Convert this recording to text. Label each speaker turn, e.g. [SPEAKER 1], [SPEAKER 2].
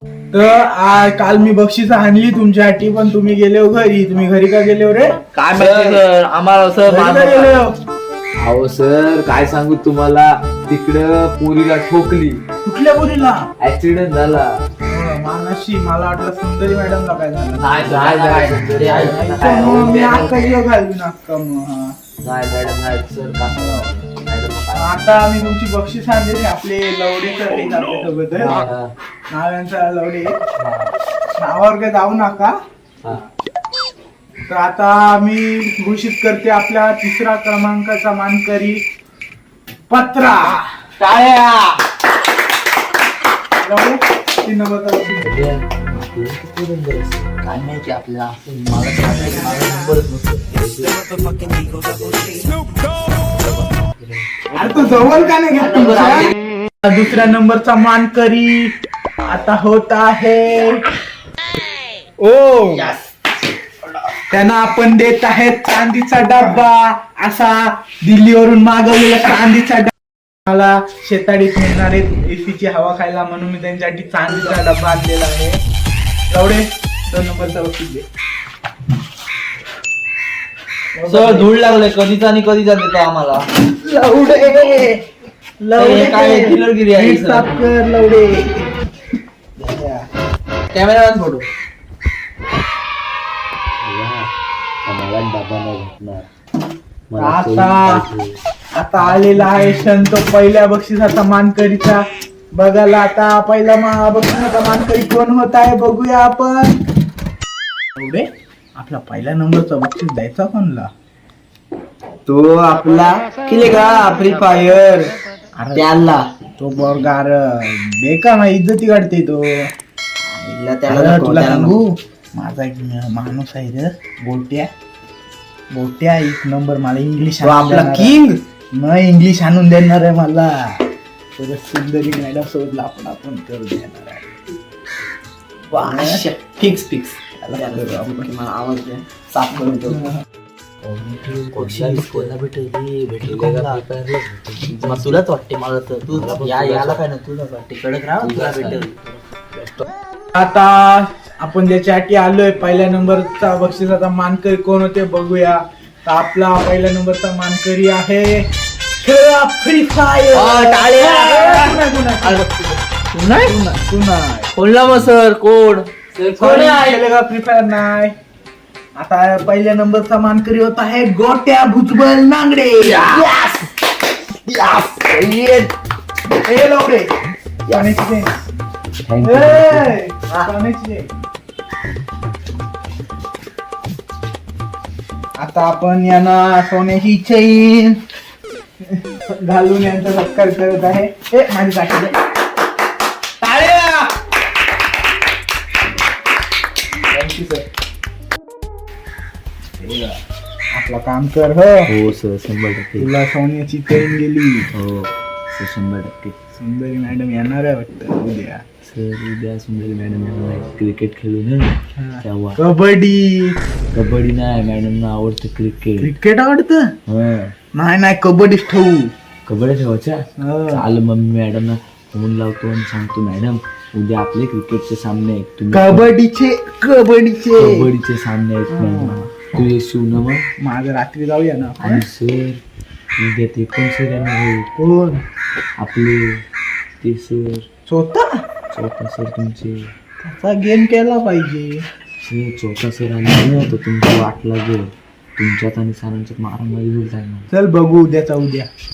[SPEAKER 1] तर काल मी बक्षीस आणली तुमच्यासाठी, पण तुम्ही गेले हो घरी. तुम्ही घरी का गेले हो रे?
[SPEAKER 2] काय माहिती सर, आम्हाला
[SPEAKER 1] घरी का गेले हो?
[SPEAKER 3] अहो सर काय सांगू तुम्हाला, तिकडं पोरीला ठोकली,
[SPEAKER 1] कुठल्या मुलीला?
[SPEAKER 3] ऍक्सिडेंट झाला.
[SPEAKER 1] मानसी, मला वाटलं सुंदरी मॅडमला काय झालं.
[SPEAKER 2] नाही
[SPEAKER 1] मग मी अक्का जीव घालवीन अक्का मग.
[SPEAKER 3] मॅडम नाही सर
[SPEAKER 1] आता मी तुमची बक्षीस आणली. आपले लवडे सर आहेत आपल्यासोबत. नाव यांचा लवडे. नावावर काय जाऊ नका. तर आता मी घोषित करते आपल्या 3रा क्रमांकाचा मानकरी पत्रा.
[SPEAKER 2] टाळ्या.
[SPEAKER 1] लवडे 3 नंबरचा बक्षीस.
[SPEAKER 2] काय माहिती आपल्याला, मला नंबरच नसतो.
[SPEAKER 1] अरे तो जवळ का नाही घ्या. 2ऱ्या नंबरचा मानकरी आता होत आहे ओ. त्यांना आपण देत आहे चांदीचा डब्बा. असा दिल्लीवरून मागवलेला चांदीचा डब्बा. मला शेताडीत मिळणार आहेत एसीची हवा खायला, म्हणून मी त्यांच्यासाठी चांदीचा डब्बा आणलेला आहे. एवढे 2 नंबरचा बक्षीस दे.
[SPEAKER 2] सर धूळ लागले कधीचा आणि कधीचा देतो आम्हाला.
[SPEAKER 1] लवडे लवडे
[SPEAKER 2] काय चिल्लरगिरी आहे सर.
[SPEAKER 1] साफ कर लवडे.
[SPEAKER 2] Cameraman photo.
[SPEAKER 3] मला डबा नाही भेटणार.
[SPEAKER 1] आता आलेला आहे क्षण तो पहिल्या बक्षिसाचा मानकरीचा. बघायला आता पहिला बक्षिसाचा मानकरी कोण होत आहे बघूया आपण. एवढे आपला पहिल्या नंबरचा बक्षीस द्यायचा कोणला?
[SPEAKER 2] तो आपला किले का फ्री फायर त्याला.
[SPEAKER 1] तो बरगार बेकार ना, इज्जती काढते तो.
[SPEAKER 2] त्याला
[SPEAKER 1] तुला सांगू, माझा एक माणूस आहे रे, गोट्या. गोट्या 1 नंबर. मला इंग्लिश
[SPEAKER 2] आपला किंग
[SPEAKER 1] न इंग्लिश आणून देणार आहे मला. तर सुंदरी मॅडम सोबत आपण करू देणार आहे.
[SPEAKER 2] Fix fix. मला आवाज द्या, साफ करून ठेव. तुलाच वाटते मला तर. तू याला काय ना, तुलाच वाटते कडक राहा, तुला भेटेल.
[SPEAKER 1] आता आपण ज्याच्यासाठी आलोय पहिल्या नंबरचा बक्षिसाचा मानकरी कोण होते बघूया. तर आपला पहिल्या नंबरचा मानकरी आहे फ्री फायर.
[SPEAKER 2] बोलला मग सर कोण
[SPEAKER 1] फ्री फायर नाही. आता पहिल्या नंबरचा मानकरी होत आहे गोट्या भुजबळ नांगडे. आता आपण यांना सोन्याची चैन घालून यांचा सत्कार करत आहे. माझी साठी थँक्यू सर. आपला काम कर.
[SPEAKER 3] हो सर 100%.
[SPEAKER 1] तुला सोन्याची चैन गेली.
[SPEAKER 3] हो सर 100%.
[SPEAKER 1] सुंदरी मॅडम येणार आहे वाटतं उद्या.
[SPEAKER 3] सर उद्या सुंदरी मॅडम क्रिकेट खेळू ना, तेव्हा.
[SPEAKER 1] कबड्डी
[SPEAKER 3] नाही, मॅडमना आवडतं क्रिकेट.
[SPEAKER 1] क्रिकेट आवडतं? नाही कबड्डीच ठेवू.
[SPEAKER 3] कबड्डी ठेवायच्या. चाल मग मी मॅडमना फोन लावतो आणि सांगतो, मॅडम उद्या आपले क्रिकेटचे सामने आहेत, कबड्डीचे सामने आहेत मॅडम, तू येशील ना? मग
[SPEAKER 1] माझं रात्री जाऊया ना.
[SPEAKER 3] आणि सर उद्या ते कोण सर येणार आहे?
[SPEAKER 1] कोण?
[SPEAKER 3] आपले ते सर
[SPEAKER 1] चौथा
[SPEAKER 3] सर तुमचे.
[SPEAKER 1] त्याचा गेम केला पाहिजे.
[SPEAKER 3] सर चौथा सर आले ना, तर तुमची वाट लागेल. तुमच्यात आणि सरांच्यात मारामारी होईल.
[SPEAKER 1] चल बघू उद्याचा उद्या.